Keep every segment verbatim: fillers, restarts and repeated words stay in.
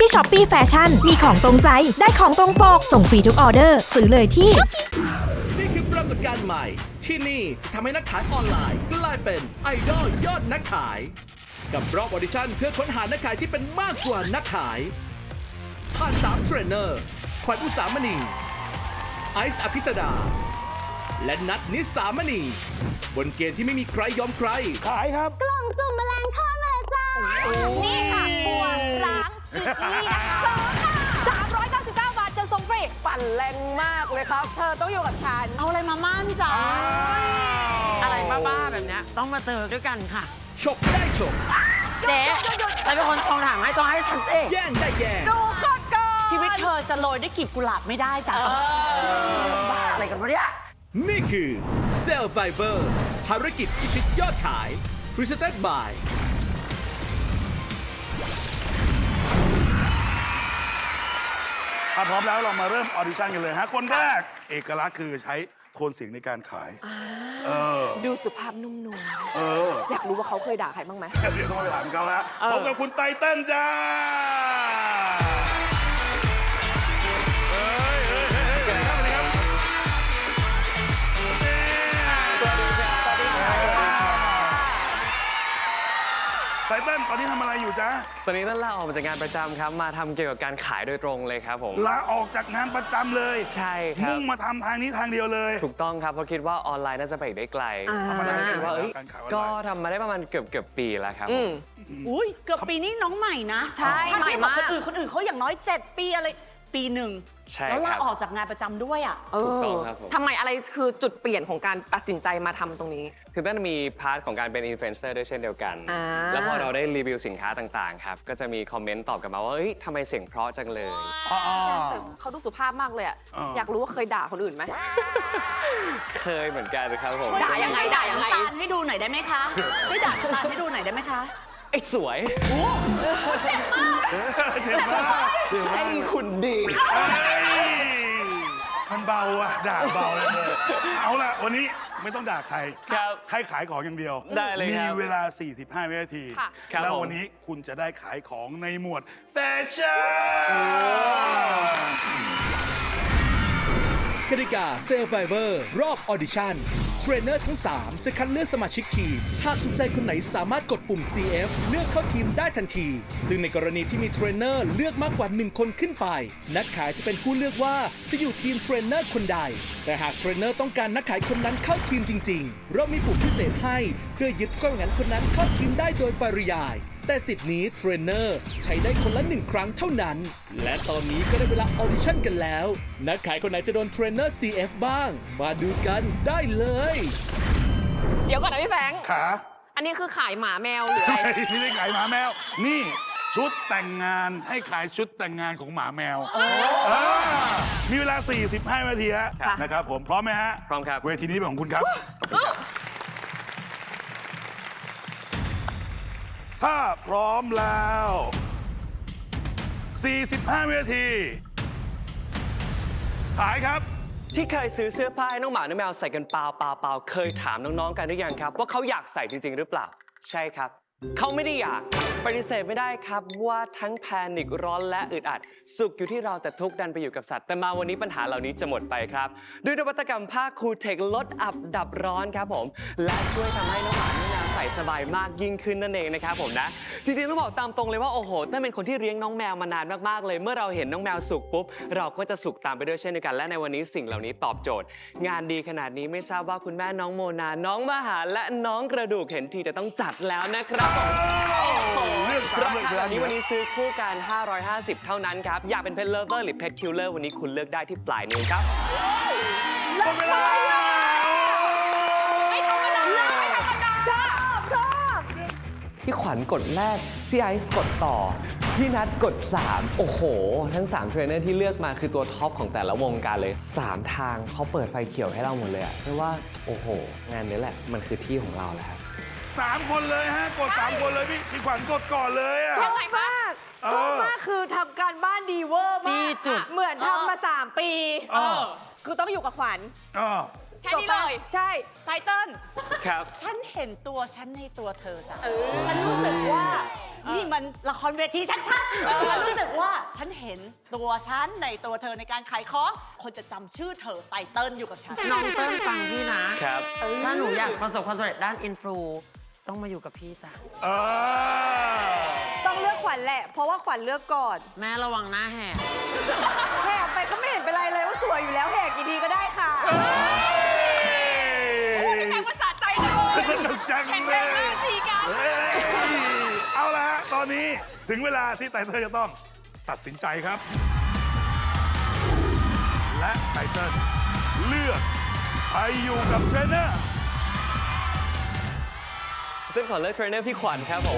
ที่ Shopee Fashion มีของตรงใจได้ของตรงปกส่งฟรีทุกออเดอร์ซื้อเลยที่นี่คือปรากฏการณ์ใหม่ที่นี่จะทำให้นักขายออนไลน์กลายเป็นไอดอลยอดนักขายกับรอบออดิชั่นเพื่อค้นหานักขายที่เป็นมากกว่านักขายผ่านสามเทรนเนอร์ขวัญอุสามณีไอซ์อภิสดาและนัทนิสามณีบนเกณฑ์ที่ไม่มีใครยอมใครขายครับกล่องสุ่มแมลงทอดมาเลยจ้านี่ค่ะบัวร้างนี่นะคะสามร้อยเก้าสิบเก้าบาทจะส่งฟรีปั่นแรงมากเลยครับเธอต้องอยู่กับฉันเอาอะไรมามั่นจ้าอะไรบ้าๆแบบนี้ต้องมาเจอด้วยกันค่ะฉกได้ฉกเจ๊เราเป็นคนทองถามให้ต้องให้ฉันเองแย่งได้แย่งดูก่อนก่อนชีวิตเธอจะโรยด้วยกลีบกุหลาบไม่ได้จ้ะบ้าอะไรกันวะเนี่ยนี่คือ Survivor ภารกิจพิชิตยอดขาย Presented by ถ้าพร้อมแล้วเรามาเริ่มออดิชั่นกันเลยฮะคนแรกเอกลักษณ์คือใช้โทนเสียงในการขายเออดูสุภาพนุ่มนวลเอออยากรู้ว่าเขาเคยด่าใครบ้างไหมเดี๋ยวต้องไปถามเขาฮะพบกับคุณไตเติ้ลจ้าไตเติ้ลตอนนี้ทำอะไรอยู่จ๊ะตอนนี้ต้นลาออกมาจากงานประจำครับมาทำเกี่ยวกับการขายโดยตรงเลยครับผมลาออกจากงานประจำเลยใช่ครับมุ่งมาทำทางนี้ทางเดียวเลยถูกต้องครับเพราะคิดว่าออนไลน์น่าจะไปได้ไกลทำมาได้คิดว่าก็ทำมาได้ประมาณเกือบเกือบปีแล้วครับอุ้ยเกือบปีนี้น้องใหม่นะใช่ใหม่มากคนอื่นคนอื่นเขาอย่างน้อยเจ็ดปีอะไรปีหนึ่งแล้วลาออกจากงานประจำด้วยอ่ะถูกต้องครับผมทำไมอะไรคือจุดเปลี่ยนของการตัดสินใจมาทำตรงนี้คือต้นมีพาร์ทของการเป็นอินฟลูเอนเซอร์ด้วยเช่นเดียวกันแล้วพอเราได้รีวิวสินค้าต่างๆครับก็จะมีคอมเมนต์ตอบกลับมาว่าเฮ้ยทำไมเสียงเพราะจังเลยเขาดูสุภาพมากเลยอ่ะอยากรู้ว่าเคยด่าคนอื่นไหมเคยเหมือนกันครับผมด่ายังไงด่ายังไงตาลให้ดูหน่อยได้ไหมคะช่วยด่าตาลให้ดูหน่อยได้ไหมคะไอ้สวยเจ็บมากเจ็บมากไอ้คุณดีมันเบาอะด่าเบาเลยเอาล่ะวันนี้ไม่ต้องด่าใครให้ขายของอย่างเดียวได้เลยมีเวลาสี่สิบห้าวินาทีแล้ววันนี้คุณจะได้ขายของในหมวดแฟชั่นกติกา Survivor รอบออดิชั่นเทรนเนอร์ทั้งสามจะคัดเลือกสมาชิกทีมหากถูกใจคนไหนสามารถกดปุ่ม ซี เอฟ เลือกเข้าทีมได้ทันทีซึ่งในกรณีที่มีเทรนเนอร์เลือกมากกว่าหนึ่งคนขึ้นไปนักขายจะเป็นผู้เลือกว่าจะอยู่ทีมเทรนเนอร์คนใดแต่หากเทรนเนอร์ต้องการนักขายคนนั้นเข้าทีมจริงๆเรามีปุ่มพิเศษให้เพื่อยึดกล้องงั้นคนนั้นเข้าทีมได้โดยปริยายแต่สิทธิ์นี้เทรนเนอร์ใช้ได้คนละหนึ่งครั้งเท่านั้นและตอนนี้ก็ได้เวลาออดิชั่นกันแล้วนักขายคนไหนจะโดนเทรนเนอร์ ซี เอฟ บ้างมาดูกันได้เลยเดี๋ยวก่อนนะพี่แฟงขาอันนี้คือขายหมาแมวหรืออะไรไม่ได้ขายหมาแมวนี่ชุดแต่งงานให้ขายชุดแต่งงานของหมาแมวมีเวลาสี่สิบห้านาทีฮะนะครับผมพร้อมไหมฮะพร้อมครับเวทีนี้เป็นของคุณครับถ้าพร้อมแล้วสี่สิบห้าวินาทีขายครับที่เคยซื้อเสื้อผ้าให้น้องหมาน้องแมวใส่กันเปล่าเปล่าเปล่าเคยถามน้องๆกันหรือยังครับว่าเขาอยากใส่จริงๆหรือเปล่าใช่ครับเขาไม่ได้อยากปฏิเสธไม่ได้ครับว่าทั้งแพนิคร้อนและอึดอัดสุขอยู่ที่เราแต่ทุกดันไปอยู่กับสัตว์แต่มาวันนี้ปัญหาเหล่านี้จะหมดไปครับด้วยนวัตกรรมผ้าคูเทคลดอับดับร้อนครับผมและช่วยทำให้น้องหมาน้องแมวใส่สบายมากยิ่งขึ้นนั่นเองนะครับผมนะจริงๆต้องบอกตามตรงเลยว่าโอ้โหนั่นเป็นคนที่เลี้ยงน้องแมวมานานมากๆเลยเมื่อเราเห็นน้องแมวสุขปุ๊บเราก็จะสุขตามไปด้วยเช่นเดียวกันและในวันนี้สิ่งเหล่านี้ตอบโจทย์งานดีขนาดนี้ไม่ทราบว่าคุณแม่น้องโมนาน้องมหาและน้องกระดูกเห็นทีจะต้องจัดแล้วนะครับเรื่องสามเรื่องแบบนี้วันนี้ซื้อคู่กันห้าร้อยห้าสิบเท่านั้นครับอยากเป็นเพทเลิฟเวอร์หรือเพทคิลเลอร์วันนี้คุณเลือกได้ที่ปลายนิ้วครับหมดเวลาไม่ธรรมดาไม่ธรรมดาชอบชอบพี่ขวัญกดแรกพี่ไอซ์กดต่อพี่นัทกดสามโอ้โหทั้งสามเทรนเนอร์ที่เลือกมาคือตัวท็อปของแต่ละวงการเลยสามทางเขาเปิดไฟเขียวให้เราหมดเลยอะเพราะว่าโอ้โหงานนี้แหละมันคือที่ของเราแล้วครับสามคนเลยฮะกดสามคนเลยพี่พี่ขวัญกดก่อนเลยอ่ะชอบมากชอบมากคือทำการบ้านดีเวอร์มากเหมือนทำมาสามปีคือต้องอยู่กับขวัญแค่นี้เลยใช่ไตเติ้ลครับฉันเห็นตัวฉันในตัวเธอจ้ะฉันรู้สึกว่านี่มันละครเวทีชัดๆฉันรู้สึกว่าฉันเห็นตัวฉันในตัวเธอในการขายของคนจะจำชื่อเธอไตเติ้ลอยู่กับฉันน้องเติ้ลฟังพี่นะครับ ถ้าหนูอยากประสบความสำเร็จด้านอินฟลูต้องมาอยู่กับพี่จ้ะเออต้องเลือกขวัญแหละ เพราะว่าขวัญเลือกก่อนแม่ระวังหน้าแหกแหกไปก็ไม่เห็นเป็นไรเลยว่าสวยอยู่แล้วแหกกี่ทีก็ได้ค่ะเป็นการภาษาใจจังเลยสนุกจังแข่งเลแรงยหน้าทีกันเฮ้ยเอาละฮะ ตอนนี้ถึงเวลาที่ไตเติ้ลจะต้องตัดสินใจครับ และไตเติ้ลเลือกไปอยู่กับเทรนเนอร์เต้นขอเลือกเทรนเนอร์พี่ขวัญครับผม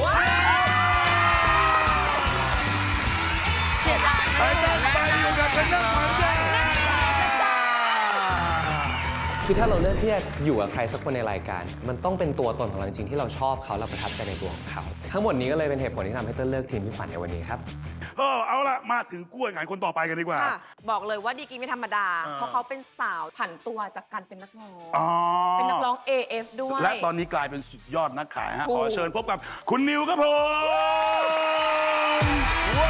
เสียดายไตเติ้ลไปอยู่กับเทรนเนอร์ขวัญใจคือถ้าเราเลือกที่จะอยู่กับใครสักคนในรายการ มันต้องเป็นตัวตนของเราจริงๆที่เราชอบเขาเราประทับใจในตัวของเขา ทั้งหมดนี้ก็เลยเป็นเหตุผลที่ทำให้เต้นเลือกทีมพี่ขวัญในวันนี้ครับเออเอาละมาถึงกู้แข่งขันคนต่อไปกันดีกว่าค่ะ บอกเลยว่าดีกรีไม่ธรรมดาอ่าเพราะเขาเป็นสาวผันตัวจากการเป็นนักร้องอ๋อเป็นนักร้อง เอ เอฟ ด้วยและตอนนี้กลายเป็นสุดยอดนักขายฮะถูกขอเชิญพบกับคุณนิวครับผมว้าว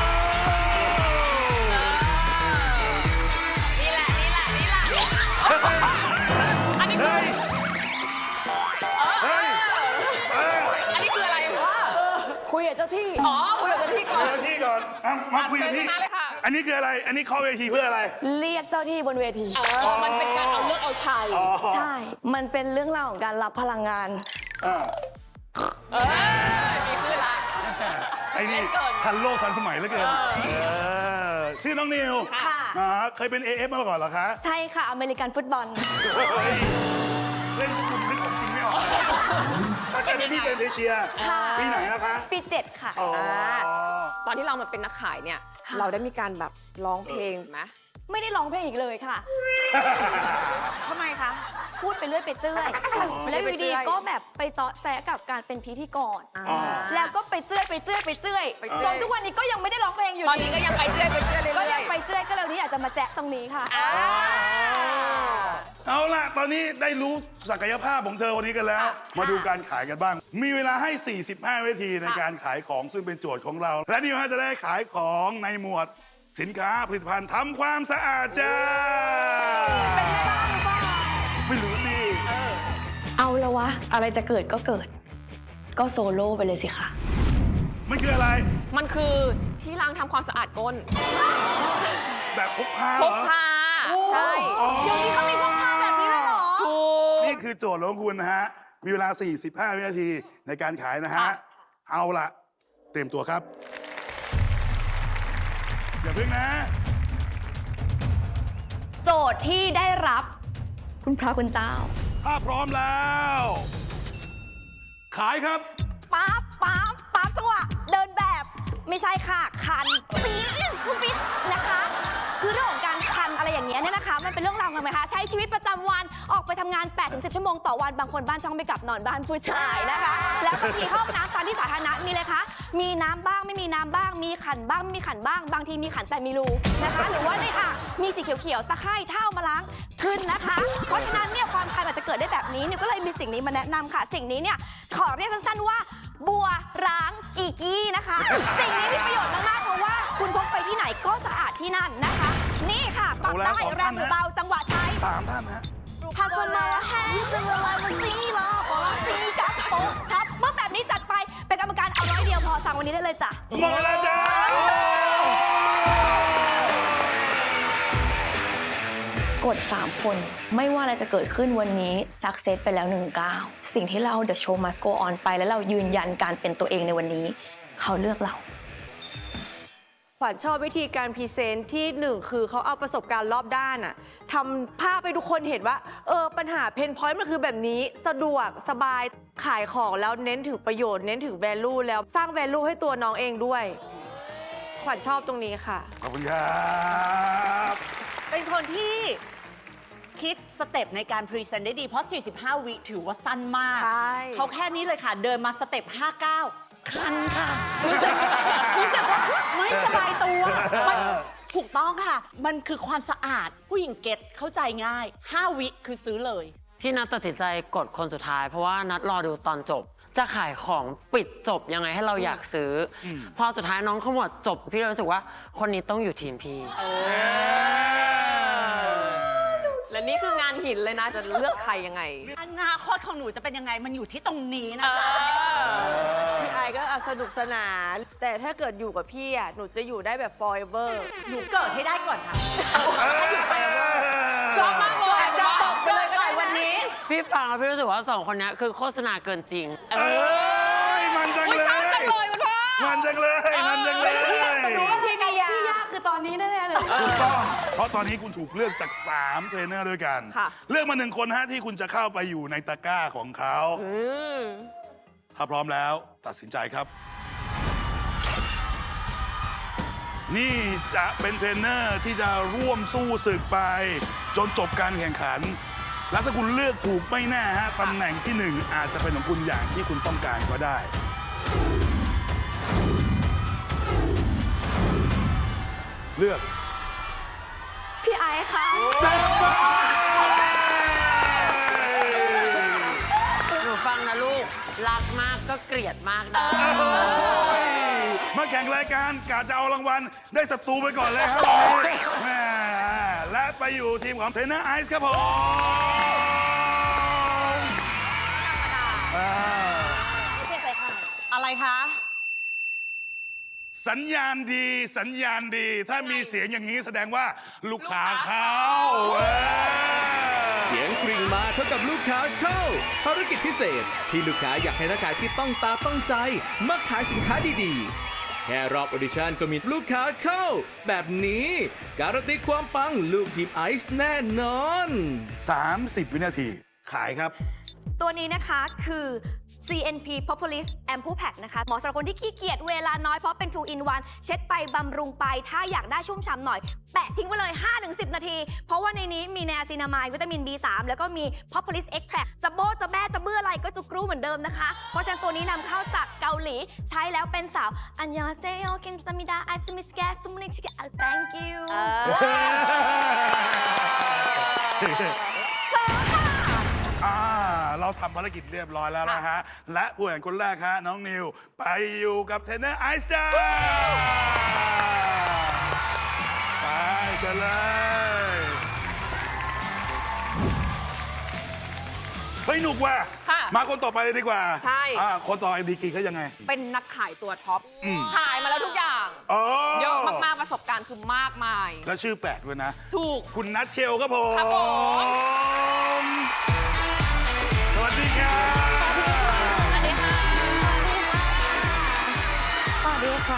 นี่แหละ นี่แหละ นี่แหละ อันนี้คือเฮ้ยเฮ้ยเฮ้ยอันนี้คืออะไรวะคุยกับเจ้าที่อ๋อ คุยกับเจ้าที่ก่อนเจ้าที่ก่อนอ่ะมาคุยกับพี่เชิญข้างหน้าเลยค่ะอันนี้คืออะไร อันนี้เข้าเวทีเพื่ออะไรเรียกเจ้าที่บนเวทีเออ มันเป็นการเอาเลือกเอาชัยอ๋อใช่ มันเป็นเรื่องราวของการรับพลังงานอ่าเออ มีขึ้นละไอ้นี่เล่นเกินทันโลกทันสมัยเหลือเกินเออเออชื่อน้องนิวค่ะอ่าเคยเป็น เอ เอฟ มาก่อนเหรอคะใช่ค่ะ อเมริกันฟุตบอลเฮ้ยเล่นคุณนึกของจริงไม่ออกถ้าเกิดพี่เป็นเอเชียค่ะปีไหนนะคะปีเจ็ดค่ะอ๋อตอนที่เรามาเป็นนักขายเนี่ย เราได้มีการแบบร้องเพลงไหมไม่ได้ร้องเพลงอีกเลยค่ะทำไมคะพูดไปเรื่อยไปเจื่อยแล้วอยู่ดีก็แบบไปเจาะแจ๊กับการเป็นพิธีกรอ๋อแล้วก็ไปเจื่อยไปเจื่อยไปเจื่อยไปเจื่จอยนทุกวันนี้ก็ยังไม่ได้ร้องเพลงอยู่ตอนนี้ก็ยังไปเรื่อยไปเรื่อยเรื่ก็อยังยไปเจื่อยก็เลยวันนี้อยากจะมาแจ๊ะตรงนี้ค่ะอ่าเอาล่ะ ตอนนี้ได้รู้ศักยภาพของเธอวันนี้กันแล้ว มาดูการขายกันบ้าง มีเวลาให้ สี่สิบห้าวินาทีในการขายของซึ่งเป็นโจทย์ของเรา และนี่ฮะจะได้ขายของในหมวดสินค้าผลิตภัณฑ์ทำความสะอาดจ้าเป็นไงบ้างหรือเปล่าไม่รู้สิเอาละวะ อะไรจะเกิดก็เกิด ก็โซโล่ไปเลยสิคะมันคืออะไรมันคือที่ล้างทำความสะอาดก้นแบบพกพาพเหรกอพา ใช่อ๋อเดี๋ยวนี้เขามีพกพาแบบนี้เลยเหรอถูกนี่คือโจทย์ของคุณนะฮะ มีเวลา สี่สิบห้าวินาทีในการขายนะฮะค่ะเอาล่ะ เตรียมตัวครับ อย่าเพิ่งนะโจทย์ที่ได้รับ คุณพระคุณเจ้าถ้าพร้อมแล้ว ขายครับป๊าบป๊าบป๊าบจังหวะเดินแบบ ไม่ใช่ค่ะ คันปี๊ดปี๊ดนะคะ คือเรื่องของการคันอะไรอย่างเงี้ยเนี่ยนะคะ มันเป็นเรื่องราวของไหมคะ ใช้ชีวิตประจำวันออกไปทำงาน แปดถึงสิบ ชั่วโมงต่อวัน บางคนบ้านช่องไม่กลับนอนบ้านผู้ชายนะคะ แล้วบางทีเข้าห้องน้ำตามที่สาธารณะมีเลยคะ มีน้ำบ้างไม่มีน้ำบ้าง มีขันบ้างไม่มีขันบ้าง บางทีมีขันแต่มีรูนะคะ หรือว่าในอ่างมีสีเขียวๆ ตะไคร่เท่ามาล้างขึ้นนะคะ เพราะฉะนั้นเนี่ยความคันอาจจะเกิดได้แบบนี้นิวก็เลยมีสิ่งนี้มาแนะนำค่ะ สิ่งนี้เนี่ยขอเรียกสั้นๆว่า บัวร้างอีกี้นะคะ สิ่งนี้มีประโยชน์มากๆเพราะว่าคุณพกไปที่ไหนก็สะอาดที่นั่นนะคะ นี่ค่ะปรับเอาแล้วได้สองแรงหรือท่านนะเบาจังหวะใช้สามท่านนะถ้าคนมาแฮงจะละลายมันซีลาปอซีกับโป๊ะชับเมื่อแบบนี้จัดไปเป็นกรรมการเอาร้อยเดียวพอสั่งวันนี้ได้เลยจ้ะหมดเวลาจ้ากด สาม คนไม่ว่าอะไรจะเกิดขึ้นวันนี้ซักเซสไปแล้วหนึ่งก้าวสิ่งที่เรา The Show Must Go On ไปแล้วเรายืนยันการเป็นตัวเองในวันนี้ เขาเลือกเราขวัญชอบวิธีการพรีเซนต์ที่หนึ่งคือเขาเอาประสบการณ์รอบด้านอะทำภาพให้ทุกคนเห็นว่าเออปัญหาเพนพอยต์มันคือแบบนี้สะดวกสบายขายของแล้วเน้นถึงประโยชน์เน้นถึง value แล้วสร้าง value ให้ตัวน้องเองด้วย ขวัญชอบตรงนี้ค่ะขอบคุณครับเป็นคนที่คิดสเต็ปในการพรีเซนต์ได้ดี เพราะ สี่สิบห้า วิถือว่าสั้นมากใช่เขาแค่นี้เลยค่ะ เดินมาสเต็ป ห้าเก้า คันค่ะ รู้สึกรู้สึกว่าไม่สบายตัวมันถูกต้องค่ะ มันคือความสะอาดผู้หญิงเก็ตเข้าใจง่ายห้าวิคือซื้อเลยที่นัดตัดสินใจกดคนสุดท้าย เพราะว่านัดรอดูตอนจบ จะขายของปิดจบยังไงให้เราอยากซื้ออพอสุดท้ายน้องขมวดจบพี่เลยรู้สึกว่าคนนี้ต้องอยู่ทีมพี่และนี่คืองานหินเลยนะจะเลือกใครยังไงอนาคตของหนูจะเป็นยังไงมันอยู่ที่ตรงนี้นะคะพี่ไอก็สนุกสนาน แต่ถ้าเกิดอยู่กับพี่อ่ะ หนูจะอยู่ได้แบบ forever หนูเกิดให้ได้ก่อนค่ะชอบมากเลยจะตกไปเลยก็ได้วันนี้พี่ฟังแล้วพี่รู้สึกว่าสองคนนี้คือโฆษณาเกินจริงเอ้ยมันจังเลยชอบจังเลยคุณพ่อมันจังเลย มันจังเลยรู้ว่าพี่ยาพี่ยาคือตอนนี้แน่ๆเลยถูกต้อง เพราะตอนนี้คุณถูกเลือกจากสามเทรนเนอร์ด้วยกันค่ะเลือกมาหนึ่งคนฮะที่คุณจะเข้าไปอยู่ในตะกร้าของเขา ถ้าพร้อมแล้วตัดสินใจครับ นี่จะเป็นเทรนเนอร์ที่จะร่วมสู้ศึกไป จนจบการแข่งขัน แล้วถ้าคุณเลือกถูกไม่แน่ฮะตำแหน่งที่หนึ่งอาจจะเป็นของคุณอย่างที่คุณต้องการก็ได้ เลือกพี่ไอซ์ค่ะหนูฟังนะลูก รักมากก็เกลียดมากได้มาแข่งรายการกาจะเอารางวัลได้ศัตรูไปก่อนเลยครับแม่และไปอยู่ทีมของเทรนเนอร์ไอซ์ครับผมอ่าอะไรคะสัญญาณดีสัญญาณดี ถ้ามีเสียงอย่างนี้แสดงว่าลูกค้าเข้าเว้ยเสียงกริ่งมาเท่ากับลูกค้าเข้า ภารกิจพิเศษที่ลูกค้าอยากให้นักขายที่ต้องตาต้องใจมาขายสินค้าดีๆ แค่รอบออดิชั่นก็มีลูกค้าเข้า แบบนี้การันตีความปังลูกทีมไอซ์แน่นอนสามสิบ วินาที ขายครับตัวนี้นะคะคือ ซี เอ็น พี Populist Ampoule Pack นะคะเหมาะสำหรับคนที่ขี้เกียจเวลาน้อยเพราะเป็น two in one เช็ดไปบำรุงไปถ้าอยากได้ชุ่มฉ่ำหน่อย แปะทิ้งไว้เลย ห้าถึงสิบ นาที เพราะว่าในนี้มีไนอาซินามายด์วิตามิน บี สาม แล้วก็มี Populist Extract จะโบ้จะแบ้จะเบื่ออะไรก็จะกรูเหมือนเดิมนะคะ เพราะฉะนั้นตัวนี้นำเข้าจากเกาหลีใช้แล้วเป็นสาว อันยองเซโยคิมซามิดาไอซ์มิสแกซุมนิกชิกะ thank you อ่า เราทำภารกิจเรียบร้อยแล้วนะฮะ และผู้แข่งคนแรกฮะน้องนิว ไปอยู่กับเทรนเนอร์ไอซ์จ้าไปเชิญเลย เฮ้ยหนุกว่ะค่ะมาคนต่อไปเลยดีกว่าใช่อ่าคนต่อไปดีกรีเขายังไงเป็นนักขายตัวท็อปอืมขายมาแล้วทุกอย่างอ๋อเยอะมากๆ ประสบการณ์คือมากมายแล้วชื่อแปลกด้วยนะถูกคุณนัทเชลครับผมครับผมสวัสดีครับสวัสดีค่ะสวัสดีค่ะ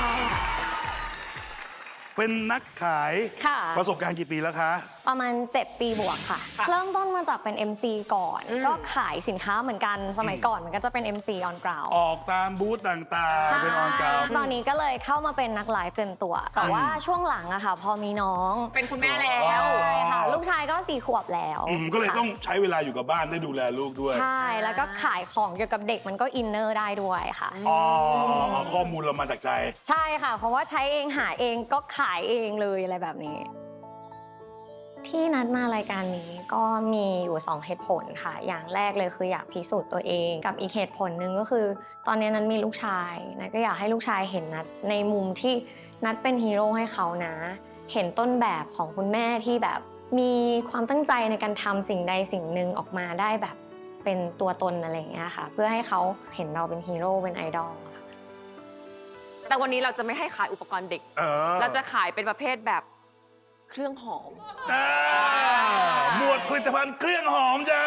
เป็นนักขายค่ะประสบการณ์กี่ปีแล้วคะประมาณ เจ็ด ปีบวกค่ะค่ะเริ่มต้นมาจากเป็น เอ็ม ซี ก่อนอืมก็ขายสินค้าเหมือนกัน สมัยก่อนมันก็จะเป็น เอ็ม ซี on ground ออกตามบูธต่างๆ เป็นออนกราวตอนนี้ก็เลยเข้ามาเป็นนักไลฟ์เต็มตัว แต่ว่าช่วงหลังอะค่ะ พอมีน้องเป็นคุณแม่แล้วใช่ค่ะ ลูกชายก็สี่ขวบแล้วอืมก็เลยค่ะต้องใช้เวลาอยู่กับบ้านได้ดูแลลูกด้วยใช่ แล้วก็ขายของเกี่ยวกับเด็กมันก็อินเนอร์ได้ด้วยค่ะอ๋อ ข้อมูลเรามาจากใจใช่ค่ะ เพราะว่าใช้เองหาเองก็ขายเองเลยอะไรแบบนี้ ที่นัดมารายการนี้ก็มีอยู่สองเหตุผลค่ะ อย่างแรกเลยคืออยากพิสูจน์ตัวเอง กับอีกเหตุผลหนึ่งก็คือ ตอนนี้นัดมีลูกชายนัดก็อยากให้ลูกชายเห็นนัดในมุมที่นัดเป็นฮีโร่ให้เขานะ เห็นต้นแบบของคุณแม่ที่แบบมีความตั้งใจในการทำสิ่งใดสิ่งหนึ่งออกมาได้แบบเป็นตัวตนอะไรอย่างเงี้ยค่ะ เพื่อให้เขาเห็นเราเป็นฮีโร่เป็นไอดอลค่ะแต่วันนี้เราจะไม่ให้ขายอุปกรณ์เด็กเออเราจะขายเป็นประเภทแบบเครื่องหอมอ่าหมวดผลิตภัณฑ์เครื่องหอมจ้า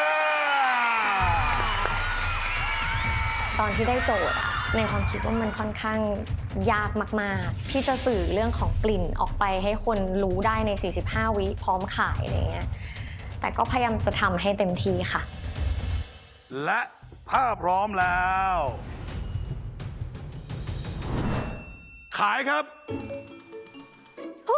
ตอนที่ได้โจทย์อะในความคิดว่ามันค่อนข้างยากมากๆ ที่จะสื่อเรื่องของกลิ่นออกไปให้คนรู้ได้ใน สี่สิบห้า วิพร้อมขายอะไรเงี้ย แต่ก็พยายามจะทำให้เต็มที่ค่ะและถ้าพร้อมแล้ว ขายครับฮู้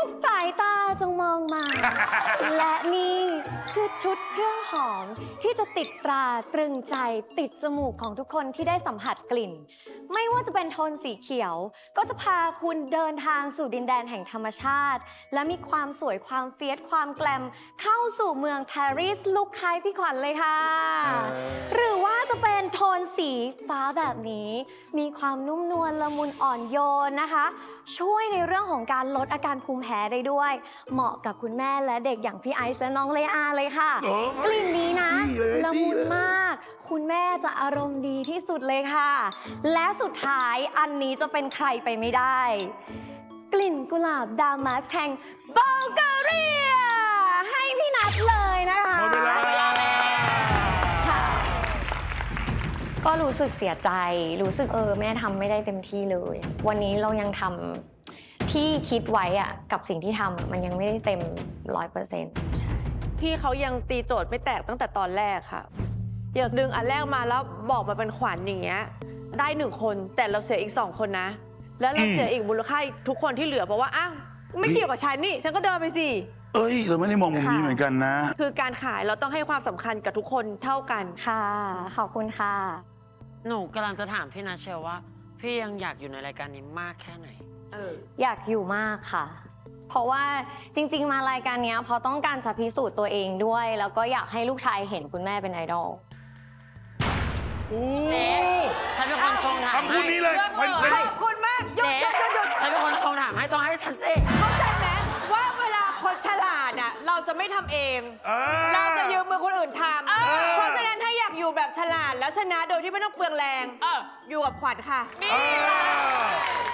ทุกสายตาจงมองมา และนี่คือชุดเครื่องหอมที่จะติดตราตรึงใจติดจมูกของทุกคนที่ได้สัมผัสกลิ่น ไม่ว่าจะเป็นโทนสีเขียว ก็จะพาคุณเดินทางสู่ดินแดนแห่งธรรมชาติ และมีความสวยความเฟียสความแกลมเข้าสู่เมืองปารีสลุคคล้ายพี่ขวัญเลยค่ะ หรือว่าจะเป็นโทนสีฟ้าแบบนี้ มีความนุ่มนวลละมุนอ่อนโยนนะคะ ช่วยในเรื่องของการลดอาการภูมิแพ้ได้ด้วย เหมาะกับคุณแม่และเด็กอย่างพี่ไอซ์และน้องเลอาเลยค่ะโอ้กลิ่นนี้นะดีเลยละมุนดีเลยมาก คุณแม่จะอารมณ์ดีที่สุดเลยค่ะ และสุดท้ายอันนี้จะเป็นใครไปไม่ได้ กลิ่นกุหลาบดามัสแห่งบัลแกเรีย ให้พี่นัทเลยนะคะหมดเวลาค่ะก็รู้สึกเสียใจ รู้สึกเออแม่ทำไม่ได้เต็มที่เลย วันนี้เรายังทำที่คิดไว้อะกับสิ่งที่ทำมันยังไม่ได้เต็มร้อยเปอร์เซ็นต์พี่เขายังตีโจทย์ไม่แตกตั้งแต่ตอนแรกค่ะอย่าดึงอันแรกมาแล้วบอกมาเป็นขวัญอย่างเงี้ยได้หนึ่งคนแต่เราเสียอีกสองคนนะ แล้วเราเสียอีกมูลค่าอีกทุกคนที่เหลือเพราะว่าอ้าวไม่เกี่ยวกับฉันนี่ฉันก็เดินไปสิเอ้ย เราไม่ได้มองมุมนี้ค่ะเหมือนกันนะคือการขายเราต้องให้ความสำคัญกับทุกคนเท่ากันค่ะ ขอบคุณค่ะหนูกำลังจะถามพี่นาเชลว่า พี่ยังอยากอยู่ในรายการนี้มากแค่ไหนอยากอยู่มากค่ะ เพราะว่าจริง ๆ มารายการเนี้ยเพราะต้องการจะพิสูจน์ตัวเองด้วย แล้วก็อยากให้ลูกชายเห็นคุณแม่เป็นไอดอลโอ้เจ๊ฉันเป็นคนชงถามคำพูดนี้เลยให้เป็นเป็นขอบคุณมากหยุดเจ๊หยุดหยุดหยุดฉันเป็นคนชงถามให้ต้องให้ฉันเองเข้าใจไหมว่าเวลาคนฉลาดอ่ะเราจะไม่ทำเองเออเราจะยืมมือคนอื่นทำเพราะฉะนั้นถ้าอยากอยู่แบบฉลาดแล้วชนะโดยที่ไม่ต้องเปลืองแรงเอออยู่กับขวัญค่ะเออ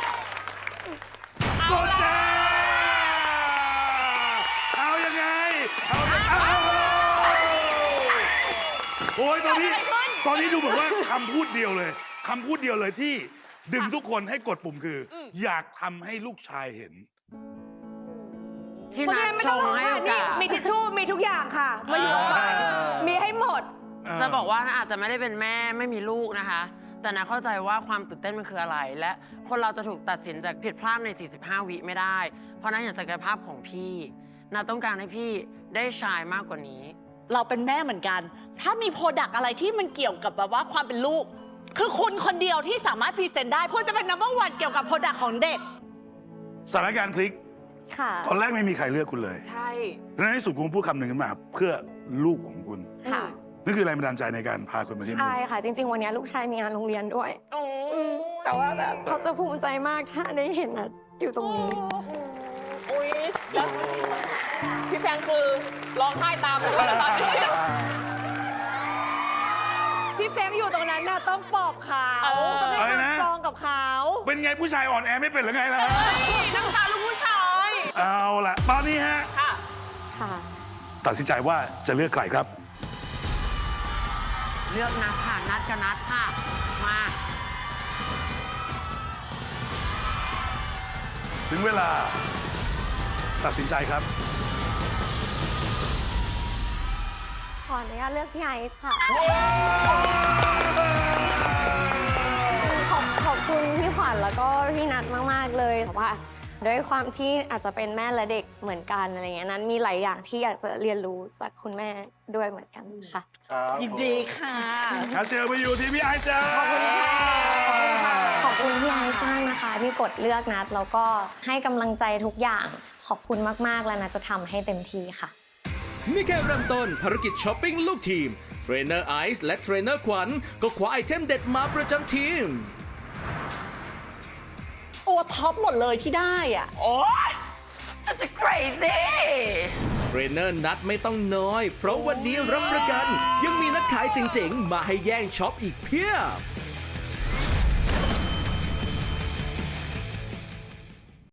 โกดแจเอายังไง เอาเอาเอาโอ้ยตอนนี้ ตอนนี้ดูเหมือนว่าคำพูดเดียวเลยคำพูดเดียวเลยที่ดึงทุกคนให้กดปุ่มคือออยากทำให้ลูกชายเห็นที่เพราะนัฉะดนั้นไม่ชต้องงร้องให้ค่ะโอนี่กาสมีทิชชู่มีทุกอย่างค่ะ มาอยู่กับขวัญมีให้หมดจะบอกว่าอาจจะไม่ได้เป็นแม่ไม่มีลูกนะคะ แต่นะเข้าใจว่าความตื่นเต้นมันคืออะไร และคนเราจะถูกตัดสินจากผิดพลาดใน สี่สิบห้า วิไม่ได้ เพราะนั้นอย่างศักยภาพของพี่นาต้องการให้พี่ได้ชายมากกว่านี้เราเป็นแม่เหมือนกัน ถ้ามีโปรดักอะไรที่มันเกี่ยวกับแบบว่าความเป็นลูก คือคุณคนเดียวที่สามารถพรีเซนต์ได้คุณจะเป็นนัมเบอร์วันเกี่ยวกับโปรดักของเด็กสถานการณ์พลิกค่ะตอนแรกไม่มีใครเลือกคุณเลยใช่แล้วในที่สุดคุณพูดคำหนึ่งขึ้นมา เพื่อลูกของคุณค่ะนี่คือแรงบันดาลใจในการพาคุณมาที่นี่ใช่ค่ะ จริง ๆ วันนี้ลูกชายมีงานโรงเรียนด้วยอืมแต่ว่าแบบเขาจะภูมิใจมากถ้าได้เห็นนะอยู่ตรงนี้อุ้ยแล้วพี่แฟงคือร้องไห้ตามไปด้วยตอนนี้พี่เฟงอยู่ตรงนั้นน่ะต้องปลอบเขาเออต้องให้อะไรความนะสตรองกับเขาเป็นไงผู้ชายอ่อนแอไม่เป็นหรือไงล่ะฮะน้ำตาลูกผู้ชายเอาล่ะ ตอนนี้ฮะค่ะค่ะตัดสินใจว่าจะเลือกใครครับเลือกนัดค่ะนัดกับนัดค่ะมาถึงเวลา ตัดสินใจครับขออนุญาตเลือกพี่ไอซ์ค่ะ ขอบขอบคุณพี่ขวัญแล้วก็พี่นัทมาก ๆ เลยแต่ว่าด้วยความที่อาจจะเป็นแม่และเด็กเหมือนกันอะไรเงี้ยนั้นมีหลายอย่างที่อยากจะเรียนรู้จากคุณแม่ด้วยเหมือนกันค่ะยินดีค่ะอาเซลไปอยู่ที่พี่ไอซ์จ้าขอบคุณค่ะ ขอบคุณพี่ไอซ์มากนะคะที่กดเลือกนัดแล้วก็ให้กำลังใจทุกอย่าง ขอบคุณมาก ๆ แล้วนัทจะทำให้เต็มที่ค่ะนี่แค่เริ่มต้นภารกิจช้อปปิ้งลูกทีม เทรนเนอร์ไอซ์และเทรนเนอร์ขวัญก็คว้าไอเทมเด็ดมาประจำทีมตัวท็อปหมดเลยที่ได้อ่ะโอ๊ยจะจะ crazy เทรนเนอร์นัดไม่ต้องน้อย เพราะวันนี้รับประกัน ยังมีนักขายเจ๋งๆ มาให้แย่งช็อปอีกเพียบ